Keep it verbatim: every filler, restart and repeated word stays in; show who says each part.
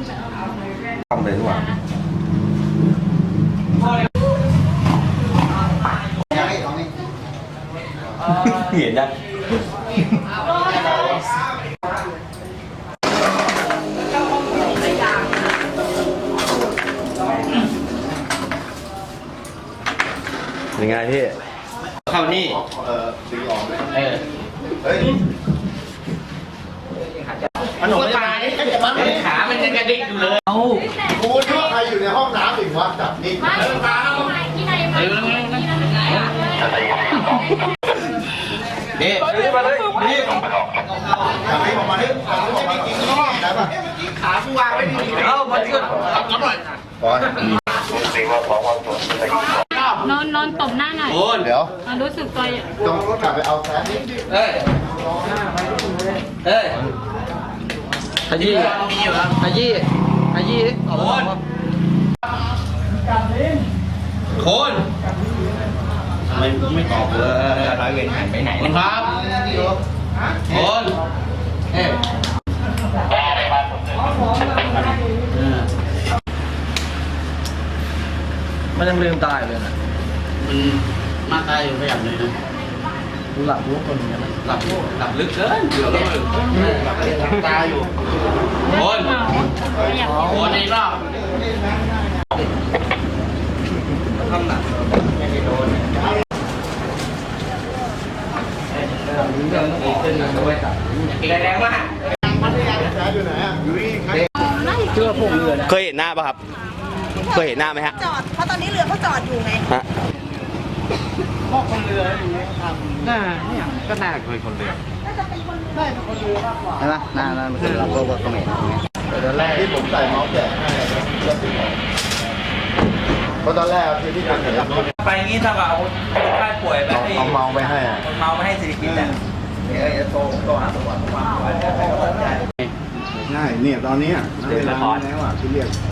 Speaker 1: ทำเลยดีกว่าเห็นยังยังไงพี่เข้านี่เออดึงออกเออเฮ้ยมันหนุ่มตายขามันยังกระดิกอยู่เลยเอากูคิดว่าใครอยู่ในห้องน้ำอีกวะจับนี่ไม่มาที่ไหนมาที่ไหนนี่นี่มาเลยนี่จับนี่ออกมาดิไม่มีกินข้างนอกได้ป่ะขากูวางไว้ดีๆเอ้ามาที่ก่อนรับหน่อยก่อน
Speaker 2: นอนนอนตบหน้าหน่อย
Speaker 1: โอ้เดี๋ยว
Speaker 2: รู้สึกตัว
Speaker 1: ต้องกลับไปเอาแซ่เอ้ยเอ้ยขยี้ขยี้ขยี้โคนโคนทำไมไม่ตอบเลยร้อยเวรหายไปไหนนะครับโคนเอ้ยมันยังลืมตายเลยนะ
Speaker 3: มันมาตายอยู่ไม่หลับเลยนะ
Speaker 1: ดูหลับรู้คนอย่างนั้น
Speaker 3: หลับหลับลึกเกินเดือดแล้วหลับหลับตาอยู่โอนโอนในรอบทำหนักไม่ได้โดนแรงมาก
Speaker 1: เชื่อพวกเรือเคยเห็นหน้าป่ะครับเคยเห็นหน้าไหมฮะ
Speaker 4: จอดเพราะตอนนี้เรือเขาจอดอยู่ไง
Speaker 1: ฮะ
Speaker 3: พ่อคนเรืออยู่น่าเนี่ยก็น่าเคยคนเรือ
Speaker 4: น่าจะเป็นคนเรือคนเรือมากกว่า
Speaker 1: ใช่ไหมน่าน่าเป็นเราก็ว่าเขมร
Speaker 5: ตอนแรกที่ผมใส่เมาส์แกะให้เพราะตอนแรกคือที่การเห็น
Speaker 3: ไปงี้ถ้าว่าเอาคนไข้ป่วยไปให้
Speaker 5: เอาเมาไปให้อ่ะ
Speaker 3: เมาไปให้สิริกิติ์เนี่ยเดี๋ยวโตโตหาตัวตัวมาไว้ให้เขาตัดใจ
Speaker 5: ง่ายเนี่ยตอนนี้เวลาแล้วอ่ะที่เรียก